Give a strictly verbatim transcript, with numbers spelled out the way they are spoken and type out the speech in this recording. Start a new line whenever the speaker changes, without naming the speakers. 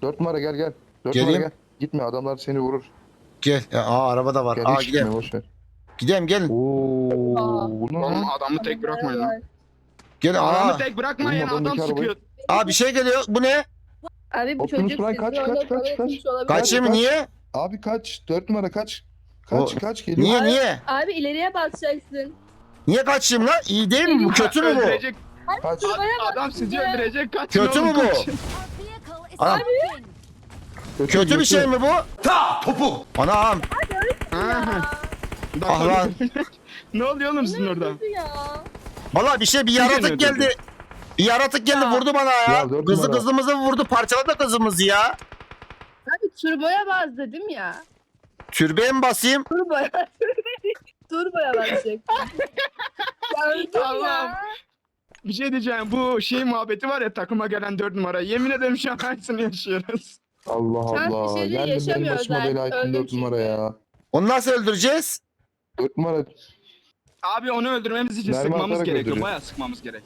Dört numara gel gel. Dört numara
Geleyim.
gel. Gitme adamlar seni vurur.
Gel. Ya, aa araba da var.
Gel
Aa
hiç gitme
gidelim.
boş ver.
Gidelim gelin.
Oo, bu ne
Oğlum
lan?
adamı tek bırakmayın lan.
Gelin.
Adamı
Aa.
tek bırakmayın,
Oğlum,
adam
adamdaki
sıkıyor.
Aa bir şey geliyor. Bu ne?
Abi bu
Optimus
çocuk
Prime
sizi
kaç, kaç,
ona
kaç,
para
kaç?
etmiş olabilir.
Kaçayım
kaç.
niye?
Abi kaç. Dört numara kaç. Kaç
O-
kaç geliyor.
Niye niye?
Abi ileriye basacaksın.
Niye kaçayım lan? İyi değil mi bu? Kötü mü bu?
Öldürecek.
Kaç.
Arabaya
Adam
bak
sizi
size.
öldürecek. Kaçın
Kötü
oğlum,
mü bu?
kaçın.
Anam. Kötü bir şey mi bu? Ta topu. Anam.
Aha.
Ah lan.
Ne oluyor oğlum sizin orada?
Kötü ya.
Valla bir şey bir
Kim
yaratık
öldürdü?
geldi. Bir yaratık geldi vurdu bana ya.
Ya, dört
Kızı
numara.
kızımızı vurdu parçaladı kızımızı ya.
Abi turboya bas dedim ya.
Türbeye mi basayım?
Turboya. Turboya basacak. Ya öldüm
Allah'ım.
ya.
Bir şey diyeceğim, bu şey muhabbeti var ya, takıma gelen dört numara. Yemin ederim şu an aynısını yaşıyoruz.
Allah
Sen bir
Allah.
şey değil,
Geldi benim
yaşamıyor
başıma
zaten.
bela ettin
Öldüm
dört numara
çünkü.
ya.
Onu nasıl öldüreceğiz?
Dört numara
Abi onu öldürmemiz için
Mermi
sıkmamız
atarak
gerekiyor.
öldürüyor.
Bayağı sıkmamız gerek.